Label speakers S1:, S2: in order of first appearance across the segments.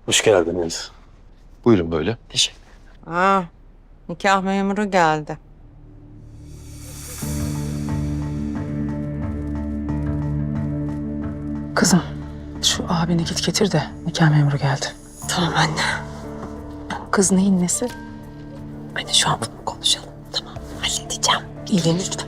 S1: Hoş geldiniz. Buyurun böyle.
S2: Teşekkür.
S3: Aa, nikah memuru geldi.
S2: Kızım, şu abini git getir de nikah memuru geldi.
S4: Tamam anne.
S2: Kız neyin nesi?
S4: Anne şu an bunu konuşalım. Tamam halledeceğim. İyileyin lütfen.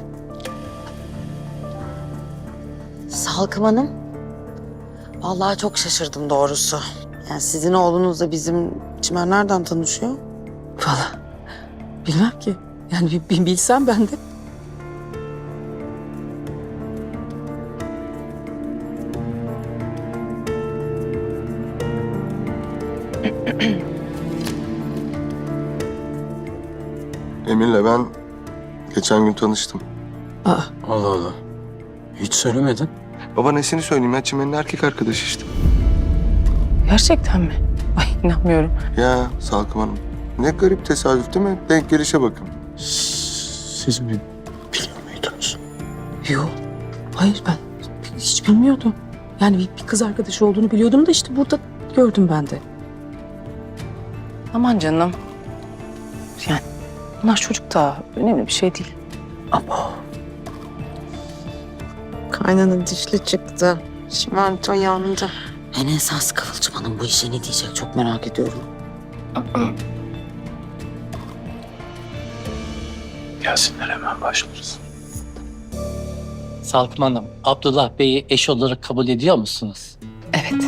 S4: Salkım Hanım. Vallahi çok şaşırdım doğrusu. Yani sizin oğlunuzla bizim Çimen nereden tanışıyor?
S2: Vallahi bilmem ki. Yani bir bilsem ben de.
S5: Emir'le ben geçen gün tanıştım.
S2: Aa,
S1: Allah Allah. Hiç söylemedin.
S5: Baba nesini söyleyeyim ya, Çimen'in erkek arkadaşı işte.
S2: gerçekten mi? Ay inanmıyorum.
S5: Ya Salkım Hanım, ne garip tesadüf değil mi? Denk gelişe bakın.
S1: Siz mi biliyor muydunuz?
S2: Yok. Hayır ben hiç bilmiyordum. Yani bir kız arkadaşı olduğunu biliyordum da işte burada gördüm ben de. Aman canım. Yani bunlar çocuk daha önemli bir şey değil. Abo.
S3: Kaynana dişli çıktı. Çimento yandı.
S4: En esas Kıvılcım Hanım bu işe ne diyecek çok merak ediyorum.
S1: Gelsinler hemen başlarız.
S6: Salkım Hanım, Abdullah Bey'i eş olarak kabul ediyor musunuz?
S2: Evet.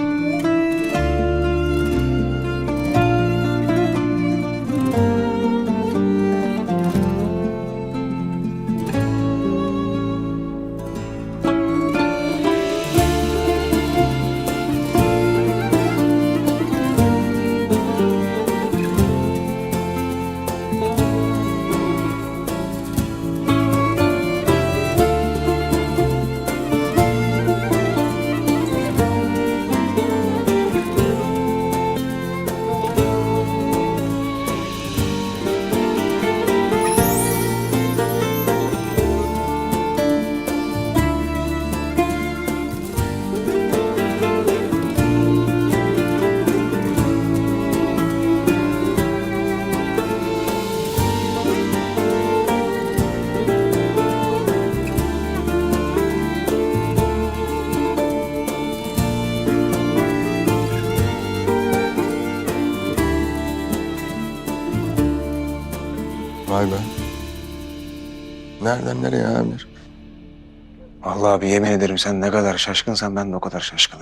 S5: Vay be. Nereden nereye Emir?
S7: Vallahi abi yemin ederim sen ne kadar şaşkınsan ben de o kadar şaşkınım.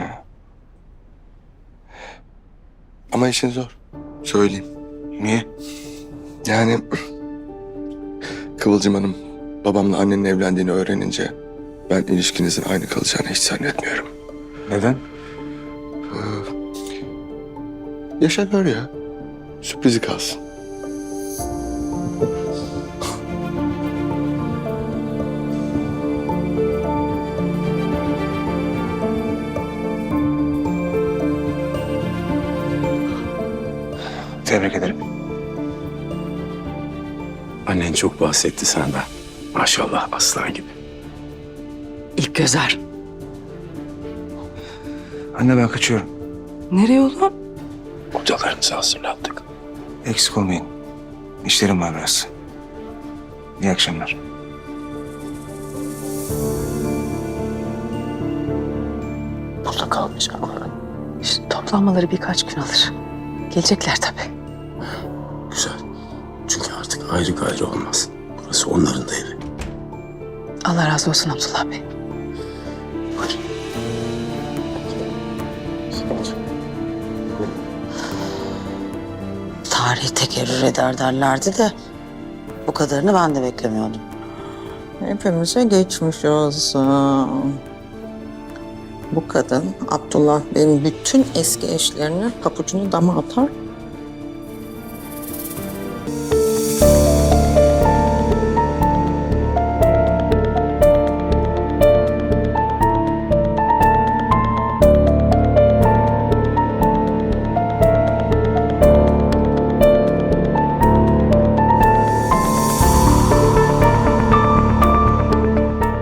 S5: Ama işin zor. Söyleyeyim.
S7: Niye?
S5: Yani Kıvılcım Hanım babamla annenin evlendiğini öğrenince ben ilişkinizin aynı kalacağını hiç zannetmiyorum.
S7: Neden?
S5: Yaşa gör ya. Sürprizi kalsın.
S7: Tebrik ederim.
S1: Annen çok bahsetti senden. Maşallah aslan gibi.
S2: İlk gözer.
S7: Anne ben kaçıyorum.
S2: Nereye oğlum?
S1: Odalarınızı hazırlattık.
S7: Eksik olmayın. İşlerim var biraz. İyi akşamlar.
S2: Burada kalmayacaklar. İşte toplanmaları birkaç gün alır. Gelecekler tabii.
S1: Güzel. Çünkü artık ayrı gayrı olmaz. Burası onların da evi.
S2: Allah razı olsun Abdullah Bey.
S4: Tarih tekerrür eder derlerdi de bu kadarını ben de beklemiyordum.
S3: Hepimize geçmiş olsun. Bu kadın Abdullah Bey'in bütün eski eşlerine papucunu dama atar,